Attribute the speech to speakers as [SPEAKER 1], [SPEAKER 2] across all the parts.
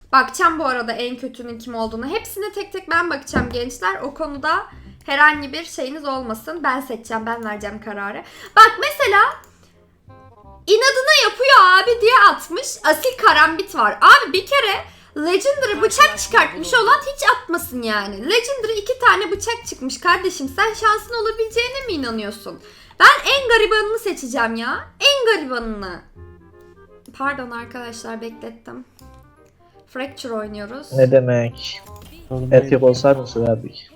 [SPEAKER 1] Bakacağım bu arada en kötünün kim olduğunu. Hepsine tek tek ben bakacağım gençler. O konuda herhangi bir şeyiniz olmasın. Ben seçeceğim, ben vereceğim kararı. Bak mesela inadına yapıyor abi diye atmış. Asil Karambit var. Abi bir kere Legendary bıçak çıkartmış olan hiç atmasın yani. Legendary 2 tane bıçak çıkmış kardeşim. Sen şansın olabileceğine mi inanıyorsun? Ben en garibanını seçeceğim ya. En garibanını. Pardon arkadaşlar beklettim. Fracture oynuyoruz.
[SPEAKER 2] Ne demek? Erkek olsaydı söylerdik.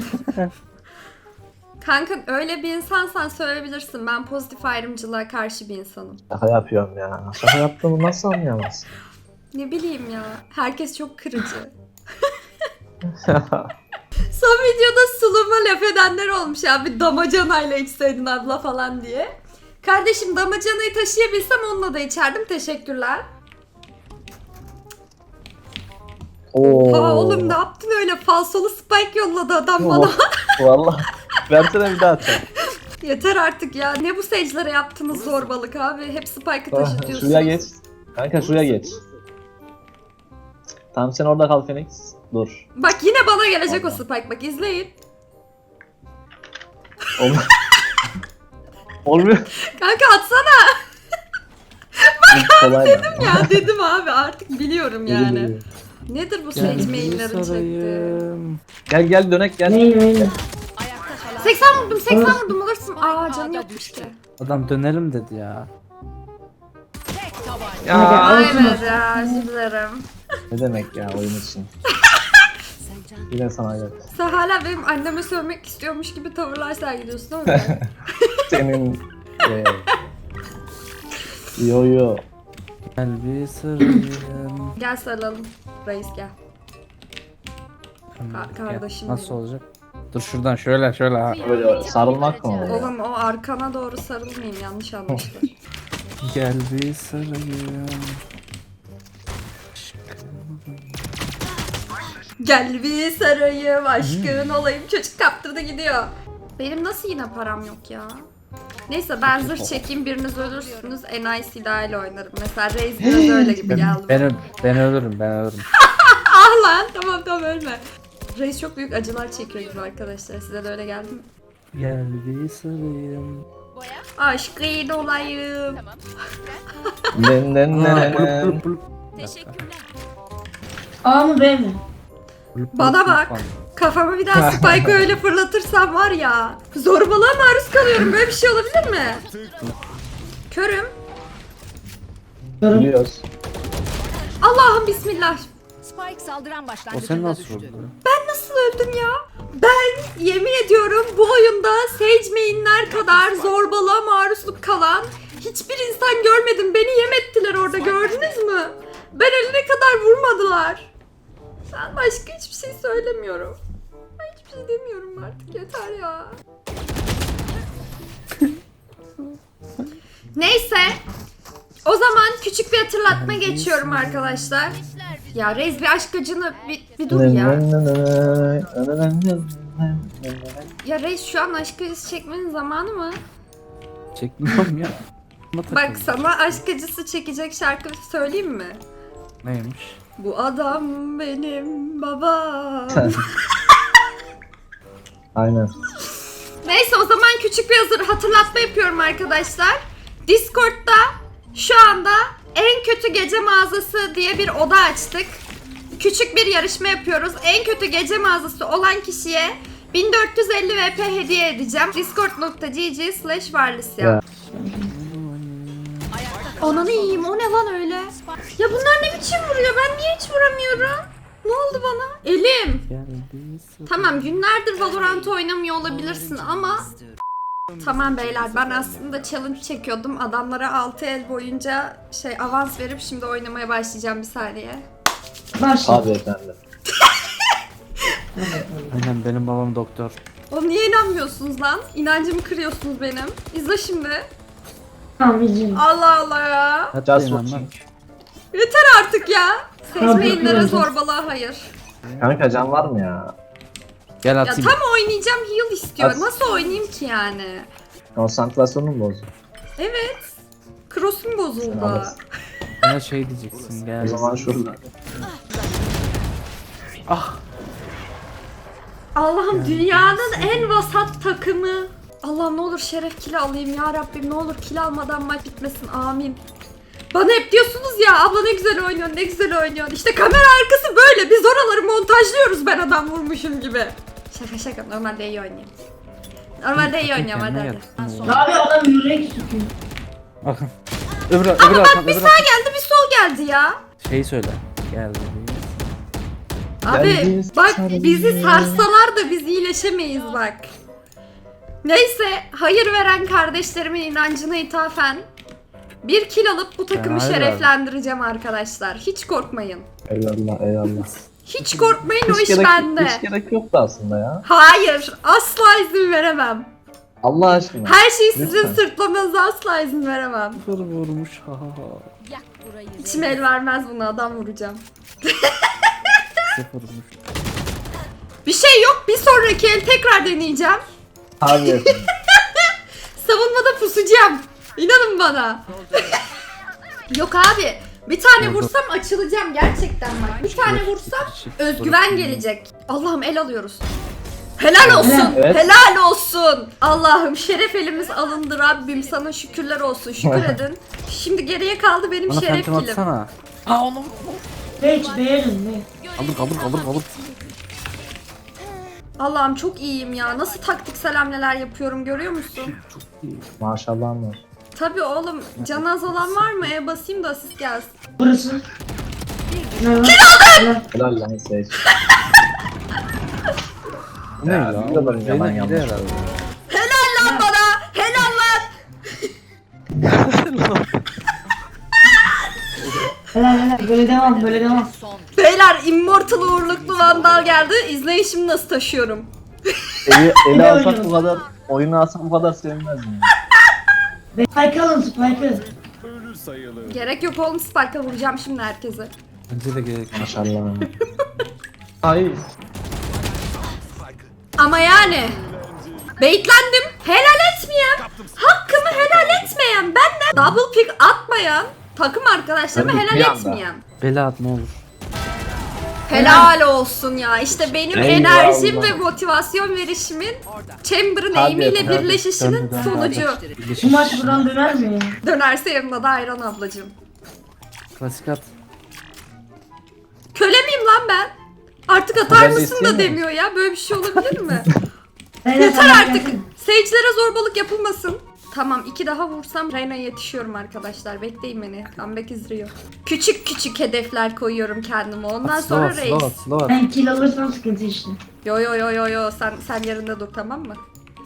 [SPEAKER 1] Kanka öyle bir insansan söyleyebilirsin. Ben pozitif ayrımcılığa karşı bir insanım.
[SPEAKER 2] Şaka yapıyorum ya. Şaka yaptığımı nasıl anlayamazsın?
[SPEAKER 1] Ne bileyim ya. Herkes çok kırıcı. Son videoda suluma laf edenler olmuş ya. Bir damacanayla içseydin abla falan diye. Kardeşim damacanayı taşıyabilsem onunla da içerdim. Teşekkürler.
[SPEAKER 2] Oo.
[SPEAKER 1] Ha oğlum ne yaptın öyle? Falsolu spike yolladı adam bana.
[SPEAKER 2] Vallahi. Versene bir daha atacağım.
[SPEAKER 1] Yeter artık ya. Ne bu sage'lere yaptığınız zorbalık abi? Hep spike'ı taşıtıyorsunuz.
[SPEAKER 2] Şuraya geç. Kanka şuraya geç. Tamam sen orada kal Phoenix. Dur.
[SPEAKER 1] Bak yine bana gelecek
[SPEAKER 2] Allah.
[SPEAKER 1] o spike. Bak izleyin.
[SPEAKER 2] Olmuyor.
[SPEAKER 1] Kanka atsana.
[SPEAKER 2] Kolay
[SPEAKER 1] Dedim ya dedim abi artık biliyorum yani. Nedir bu sage mainlerin çektiği?
[SPEAKER 3] sarayım.
[SPEAKER 2] Gel dönek gel.
[SPEAKER 4] Neyim?
[SPEAKER 1] 80 vurdum 80 vurdum alırsın. Aa canı yokmuş ki.
[SPEAKER 3] Adam dönelim dedi ya.
[SPEAKER 2] Ya.
[SPEAKER 1] Aynen ya özür dilerim.
[SPEAKER 2] Ne demek ya oyun için. Yine sana gel.
[SPEAKER 1] Sen hala benim anneme sövmek istiyormuş gibi tavırlar sergiliyorsun değil mi?
[SPEAKER 2] Senin yo.
[SPEAKER 3] Gel bir sarayım.
[SPEAKER 1] Gel sarılalım. Reis gel. Kardeşim
[SPEAKER 3] Nasıl
[SPEAKER 1] benim.
[SPEAKER 3] olacak? Dur şuradan şöyle ha.
[SPEAKER 2] Böyle sarılmak mı oluyor?
[SPEAKER 1] Oğlum o arkana doğru sarılmayayım yanlış anlaşılır.
[SPEAKER 3] Gel bir sarayım.
[SPEAKER 1] Gel bir sarayım aşkın olayım çocuk kaptırdı gidiyor. Benim nasıl yine param yok ya? Neyse ben zırh çekeyim biriniz ölürsünüz NIC dahil oynarım. Mesela Reis biraz öyle gibi geldi.
[SPEAKER 3] Ben ölürüm.
[SPEAKER 1] Ah lan tamam ölme. Reis çok büyük acılar çekiyor gibi arkadaşlar. Size de öyle geldi mi?
[SPEAKER 3] Gel bir sarayım.
[SPEAKER 1] Aşkın olayım.
[SPEAKER 2] Ne.
[SPEAKER 4] A mı B mi?
[SPEAKER 1] Bana bak. Kafamı bir daha Spike'ı öyle fırlatırsam var ya. Zorbalığa maruz kalıyorum. Böyle bir şey olabilir mi? Körüm.
[SPEAKER 2] Biliyoruz.
[SPEAKER 1] Allah'ım bismillah.
[SPEAKER 5] Spike saldıran
[SPEAKER 3] O
[SPEAKER 5] başlangıcında
[SPEAKER 3] sen nasıl
[SPEAKER 5] düştü.
[SPEAKER 3] oldu?
[SPEAKER 1] Nasıl öldüm ya? Ben yemin ediyorum bu oyunda Sage mainler kadar zorbalığa maruzluk kalan hiçbir insan görmedim. Beni yem ettiler orada gördünüz mü? Ben eline kadar vurmadılar. Ben başka hiçbir şey söylemiyorum. Ben hiçbir şey demiyorum artık yeter ya. Neyse. O zaman küçük bir hatırlatma geçiyorum arkadaşlar. Ya Reis bir aşk acını bir dur ya. Ya Reis şu an aşk acısı çekmenin zamanı mı?
[SPEAKER 3] Çekmiyorum ya.
[SPEAKER 1] Bak sana aşk acısı çekecek şarkı söyleyeyim mi?
[SPEAKER 3] Neymiş?
[SPEAKER 1] Bu adam benim babam.
[SPEAKER 2] Aynen.
[SPEAKER 1] Neyse o zaman küçük bir hatırlatma yapıyorum arkadaşlar. Discord'da şu anda en kötü gece mağazası diye bir oda açtık. Küçük bir yarışma yapıyoruz. En kötü gece mağazası olan kişiye 1450 VP hediye edeceğim. discord.gg/varlisya. Ananı yiyeyim o ne lan öyle? Ya bunlar ne biçim vuruyor? Ben niye hiç vuramıyorum? Ne oldu bana? Elim.
[SPEAKER 3] Gel bir sarayım.
[SPEAKER 1] Tamam günlerdir Valorant oynamıyor olabilirsin ama tamam beyler ben aslında challenge çekiyordum. Adamlara 6 el boyunca avans verip şimdi oynamaya başlayacağım bir saniye.
[SPEAKER 4] Başla.
[SPEAKER 2] Abi efendim.
[SPEAKER 3] Aynen benim babam doktor.
[SPEAKER 1] Oğlum niye inanmıyorsunuz lan? İnancımı kırıyorsunuz benim. İzle şimdi.
[SPEAKER 4] Tamam izleyin.
[SPEAKER 1] Allah Allah ya.
[SPEAKER 3] Hatta
[SPEAKER 2] Just
[SPEAKER 3] inanmam.
[SPEAKER 2] watching.
[SPEAKER 1] Yeter artık ya. Seçmeyinlere zorbalığa hayır.
[SPEAKER 2] Kanka can var mı ya?
[SPEAKER 3] Gel
[SPEAKER 1] Ya
[SPEAKER 3] atayım.
[SPEAKER 1] tam oynayacağım heal istiyor.
[SPEAKER 2] At.
[SPEAKER 1] Nasıl oynayayım ki yani?
[SPEAKER 2] Konsantrasyonun mu bozdu?
[SPEAKER 1] Evet. Cross'um bozuldu.
[SPEAKER 2] Sen alırsın.
[SPEAKER 3] Bana şey diyeceksin
[SPEAKER 2] O
[SPEAKER 3] gel.
[SPEAKER 2] zaman şurada.
[SPEAKER 3] Ah.
[SPEAKER 1] Allah'ım dünyanın en vasat takımı. Allah'ım ne olur şeref kili alayım ya Rabbim, ne olur kil almadan maç bitmesin, amin. Bana hep diyorsunuz ya abla ne güzel oynuyorsun, ne güzel oynuyorsun. İşte kamera arkası böyle, biz oraları montajlıyoruz ben adam vurmuşum gibi. Şaka şaka, normalde iyi oynuyorum. Normalde iyi oynuyorum, hadi
[SPEAKER 3] Kendine
[SPEAKER 1] hadi.
[SPEAKER 3] gel.
[SPEAKER 4] Abi adam yürek sıkıyor.
[SPEAKER 3] Bakın. Öbür
[SPEAKER 1] Ama bak
[SPEAKER 3] arkan,
[SPEAKER 1] bir
[SPEAKER 3] öbür
[SPEAKER 1] sağ geldi bir sol geldi ya.
[SPEAKER 3] Şeyi söyle. Geldi.
[SPEAKER 1] Abi
[SPEAKER 2] Geldiniz,
[SPEAKER 1] bak
[SPEAKER 2] sarılın.
[SPEAKER 1] bizi sarsalar da biz iyileşemeyiz bak. Neyse, hayır veren kardeşlerimin inancına ithafen bir kill alıp bu takımı
[SPEAKER 3] hayır
[SPEAKER 1] şereflendireceğim arkadaşlar. Hiç korkmayın.
[SPEAKER 2] Eyvallah eyvallah.
[SPEAKER 1] Hiç korkmayın, o
[SPEAKER 2] Hiç
[SPEAKER 1] iş bende.
[SPEAKER 2] hiç gerek yoktu aslında ya.
[SPEAKER 1] Hayır, asla izin veremem.
[SPEAKER 2] Allah aşkına.
[SPEAKER 1] Her şeyi sizin
[SPEAKER 2] Lütfen.
[SPEAKER 1] sırtlamanıza asla izin veremem.
[SPEAKER 3] Sıfır vurmuş. Ha ha ha.
[SPEAKER 5] Yak burayı.
[SPEAKER 1] İçim el vermez buna, adam vuracağım.
[SPEAKER 3] Sıfır vurmuş.
[SPEAKER 1] Bir şey yok, bir sonraki el tekrar deneyeceğim.
[SPEAKER 2] Abi efendim.
[SPEAKER 1] Savunmada pusacağım. İnanın bana. Yok abi. Bir tane vursam açılacağım gerçekten bak. Bir tane vursam özgüven gelecek. Allah'ım el alıyoruz. Helal olsun.
[SPEAKER 2] Evet.
[SPEAKER 1] Helal olsun. Allah'ım şeref elimiz alındı Rabbim. Sana şükürler olsun. Şükür edin. Şimdi geriye kaldı benim
[SPEAKER 3] Bana
[SPEAKER 1] şeref
[SPEAKER 3] phantom
[SPEAKER 1] kilim.
[SPEAKER 3] atsana. Ha onu.
[SPEAKER 4] Hiç beğenin be.
[SPEAKER 3] Kaldır.
[SPEAKER 1] Allah'ım çok iyiyim ya. Nasıl taktiksel hamleler yapıyorum görüyor musun?
[SPEAKER 2] Maşallah var.
[SPEAKER 1] Tabii oğlum. Canı az olan var mı? Basayım da asist gelsin.
[SPEAKER 4] Burası. Ne var?
[SPEAKER 2] Helal lan Sage.
[SPEAKER 3] Ne
[SPEAKER 2] Ya,
[SPEAKER 3] ya?
[SPEAKER 2] bir de ben yalan
[SPEAKER 3] Yine
[SPEAKER 2] yanlış.
[SPEAKER 3] herhalde.
[SPEAKER 1] Helal lan bana. Helal lan.
[SPEAKER 4] Helal böyle devam böyle devam.
[SPEAKER 5] Son.
[SPEAKER 1] Beyler Immortal uğurluklu Vandal geldi. İzleyin şimdi nasıl taşıyorum.
[SPEAKER 2] Eli alsak bu kadar, oyunu alsak bu kadar sevinmezdim.
[SPEAKER 4] Spike alın Spike'ı.
[SPEAKER 1] Gerek yok oğlum, Spike'a vuracağım şimdi herkese.
[SPEAKER 3] Bence de gerek.
[SPEAKER 2] Maşallah. Hayır.
[SPEAKER 1] Ama yani baitlendim. Helal etmeyen, hakkımı helal etmeyen, benden double pick atmayan takım arkadaşlarıma
[SPEAKER 2] Tabii,
[SPEAKER 1] helal
[SPEAKER 2] bir anda.
[SPEAKER 1] etmeyen.
[SPEAKER 3] Bela at ne olur.
[SPEAKER 1] Helal olsun ya. İşte benim
[SPEAKER 2] Eyvallah.
[SPEAKER 1] enerjim ve motivasyon verişimin Chamber'ın
[SPEAKER 2] Hadi
[SPEAKER 1] aim'iyle
[SPEAKER 2] yapın, hadi.
[SPEAKER 1] birleşişinin
[SPEAKER 3] Dön.
[SPEAKER 1] sonucu.
[SPEAKER 4] Bu maç buradan döner mi ya?
[SPEAKER 1] Dönerse yanına da ayran ablacığım.
[SPEAKER 3] Klasik at.
[SPEAKER 1] Köle miyim lan ben? Artık atar
[SPEAKER 2] Ben de
[SPEAKER 1] mısın da
[SPEAKER 2] istemiyorum.
[SPEAKER 1] demiyor ya. Böyle bir şey olabilir mi?
[SPEAKER 4] Helal,
[SPEAKER 1] Yeter
[SPEAKER 4] helal,
[SPEAKER 1] artık.
[SPEAKER 4] helal.
[SPEAKER 1] Sage'lere zorbalık yapılmasın. Tamam, 2 daha vursam Reyna'ya yetişiyorum arkadaşlar. Bekleyin beni. Comeback izliyor. Küçük küçük hedefler koyuyorum kendime. Ondan sonra reis.
[SPEAKER 3] Slow at.
[SPEAKER 4] Ben kill alırsam sıkıntı işte.
[SPEAKER 1] Yo sen yerinde dur, tamam mı?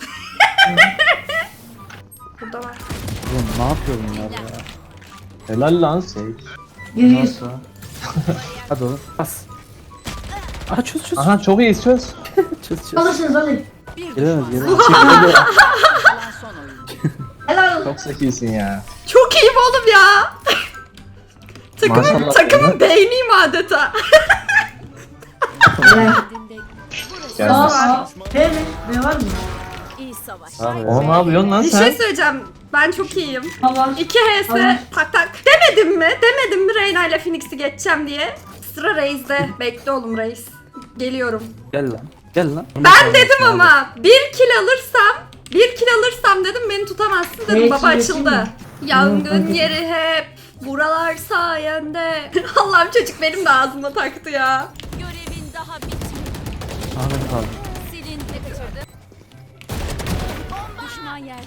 [SPEAKER 1] Burada var.
[SPEAKER 3] Oğlum ne yapıyor bunlar ya?
[SPEAKER 2] Helal lan Sage.
[SPEAKER 4] Geliyoruz.
[SPEAKER 3] Nasıl? Hadi oğlum. Bas. Aha çöz.
[SPEAKER 2] Aha çok iyi söz.
[SPEAKER 3] Çöz.
[SPEAKER 4] Alırsınız alın.
[SPEAKER 3] Gelemez.
[SPEAKER 5] Kalan son oyuncu.
[SPEAKER 4] Helal olsun.
[SPEAKER 2] Çok zekisin ya.
[SPEAKER 1] Çok iyiyim oğlum ya.
[SPEAKER 2] Maşallah
[SPEAKER 1] takımın beyniyim adeta.
[SPEAKER 4] Helal.
[SPEAKER 5] Dinde
[SPEAKER 2] Gelmez.
[SPEAKER 4] Aa, B mi? B var mı?
[SPEAKER 5] iyi savaş.
[SPEAKER 3] Abi.
[SPEAKER 2] Oğlum ne yapıyorsun lan
[SPEAKER 1] Bir
[SPEAKER 2] sen?
[SPEAKER 1] şey söyleyeceğim. Ben çok iyiyim.
[SPEAKER 4] Tamam.
[SPEAKER 1] 2 HS
[SPEAKER 4] Tamam.
[SPEAKER 1] tak. Demedim mi Reyna ile Phoenix'i geçeceğim diye. Sıra Reis'de. Bekle oğlum Reis. Geliyorum.
[SPEAKER 3] Gel lan.
[SPEAKER 1] Ben dedim ama bir kill alırsam dedim beni tutamazsın dedim.
[SPEAKER 4] Evet,
[SPEAKER 1] Baba
[SPEAKER 4] yesin
[SPEAKER 1] açıldı.
[SPEAKER 4] mi?
[SPEAKER 1] Yangın yeri hep buralar sayende. Allah'ım çocuk benim de ağzıma taktı ya.
[SPEAKER 5] Görevin daha bitmedi.
[SPEAKER 3] Ahmet kaldı.
[SPEAKER 5] Silin de kaçırdı. Düşman yerde.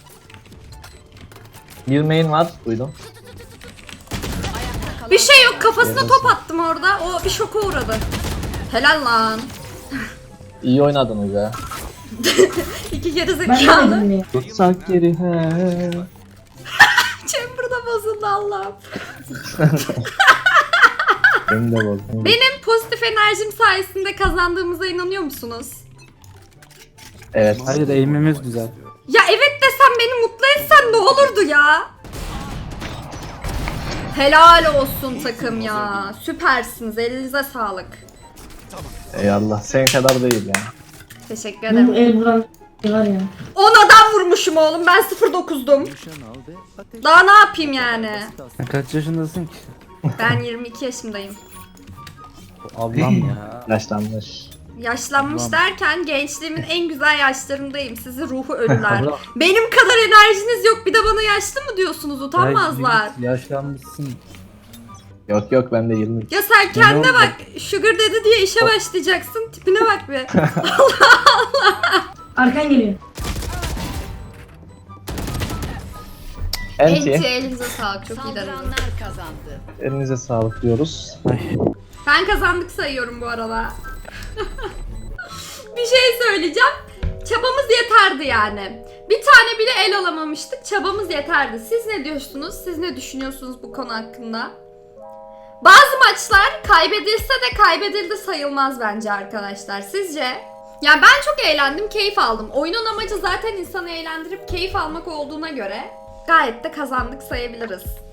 [SPEAKER 2] Bir main var, duydum.
[SPEAKER 5] Ayakta kalan
[SPEAKER 1] Bir şey yok, kafasına
[SPEAKER 2] Yarasın.
[SPEAKER 1] top attım orada. O bir şoka uğradı. Helal lan.
[SPEAKER 2] İyi oynadınız ya.
[SPEAKER 1] İki geri
[SPEAKER 4] Ben de
[SPEAKER 1] zekalı.
[SPEAKER 4] dedim ya.
[SPEAKER 2] Tutsak geri he.
[SPEAKER 1] Chamber'da bozuldu Allah'ım.
[SPEAKER 2] Beni de bozdun.
[SPEAKER 1] Benim pozitif enerjim sayesinde kazandığımıza inanıyor musunuz?
[SPEAKER 2] Evet.
[SPEAKER 3] Hayır eğimimiz güzel.
[SPEAKER 1] Ya evet desem, beni mutlu etsen ne olurdu ya? Helal olsun takım ya. Süpersiniz. Elinize sağlık.
[SPEAKER 2] Eyvallah. Senin kadar değil ya.
[SPEAKER 1] Teşekkür
[SPEAKER 4] Bu
[SPEAKER 1] ederim.
[SPEAKER 4] el buradan var ya.
[SPEAKER 1] 10 adam vurmuşum oğlum. Ben 0.9'dum. Daha ne yapayım yani?
[SPEAKER 3] Sen kaç yaşındasın ki?
[SPEAKER 1] Ben 22 yaşındayım.
[SPEAKER 3] Allah'ım ya.
[SPEAKER 2] Yaşlanmış.
[SPEAKER 1] Yaşlanmış
[SPEAKER 3] Allah'ım.
[SPEAKER 1] derken gençliğimin en güzel yaşlarındayım. Sizi ruhu ölüler.
[SPEAKER 3] Allah.
[SPEAKER 1] Benim kadar enerjiniz yok. Bir de bana yaşlı mı diyorsunuz? Utanmazlar.
[SPEAKER 3] Ya, yaşlanmışsın.
[SPEAKER 2] Yok yok ben de 20.
[SPEAKER 1] Ya sen kendine
[SPEAKER 3] Ne oldu?
[SPEAKER 1] bak. Sugar dedi diye işe başlayacaksın. Tipine bak bir.
[SPEAKER 4] Arkan geliyor.
[SPEAKER 1] Enti
[SPEAKER 2] Enti.
[SPEAKER 1] elinize sağlık. Çok iyi dediniz.
[SPEAKER 5] Saldıranlar kazandı.
[SPEAKER 2] Elinize sağlık diyoruz.
[SPEAKER 1] Ben kazandık sayıyorum bu arada. Bir şey söyleyeceğim. Çabamız yeterdi yani. Bir tane bile el alamamıştık. Çabamız yeterdi. Siz ne diyorsunuz? Siz ne düşünüyorsunuz bu konu hakkında? Bazı maçlar kaybedilse de kaybedildi sayılmaz bence arkadaşlar. Sizce? Yani ben çok eğlendim, keyif aldım. Oyunun amacı zaten insanı eğlendirip keyif almak olduğuna göre gayet de kazandık sayabiliriz.